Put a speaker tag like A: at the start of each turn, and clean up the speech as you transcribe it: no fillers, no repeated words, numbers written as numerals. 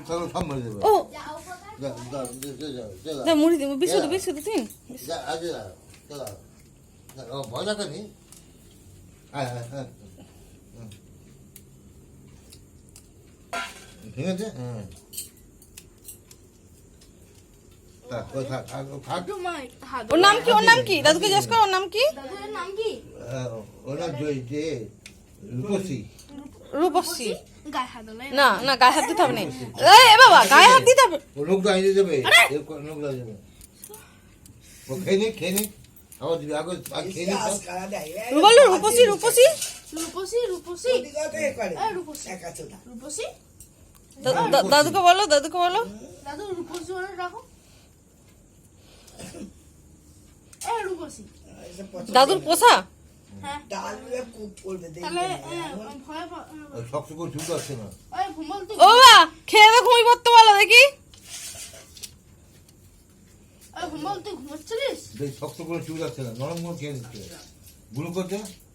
A: তাহলে সব মরে যাবে।
B: ও
A: যা যা যা
B: যা মুড়ি দিব বিস্কুট তিন
A: যা আগে চলো ও ভজা করি হ্যাঁ হ্যাঁ ঠিক আছে হ্যাঁ থাক ও থাক থাক
B: ওর নাম কি দাদুকে জিজ্ঞেস কর ওর নাম কি
C: দাদুর নাম কি?
A: ওরা জয় যে রূপসী
B: রূপসী
C: গায়ে হাত দিলে
B: না না গায়ে হাত দিতে হবে না এ বাবা গায়ে হাত দিতে হবে
A: ও লোক গাইয়ে দেবে লোক গাইয়ে দেবে ও খেয়ে নে আবার দিবি আগে খেয়ে নে
B: বলো রূপসী
C: রূপসী রূপসী এই রূপসী রূপসী
B: দাদুকে বলো
C: দাদু রূপসী বলে রাখো এই রূপসী
B: দাদুর পোষা
C: হ্যাঁ তাহলে ভয়
A: শক্ত করে ঝুঁক আসছে না
C: ওই ঘুমল তুই
B: ও বাবা খেয়ে দে ঘুমিয়ে পড়তে বলো দেখি
C: ওই ঘুমল তুই ঘুমাচ্ছিলিস
A: শক্ত করে চুল আসছে না নরম করে খেয়ে নিচ্ছে গুলো করছে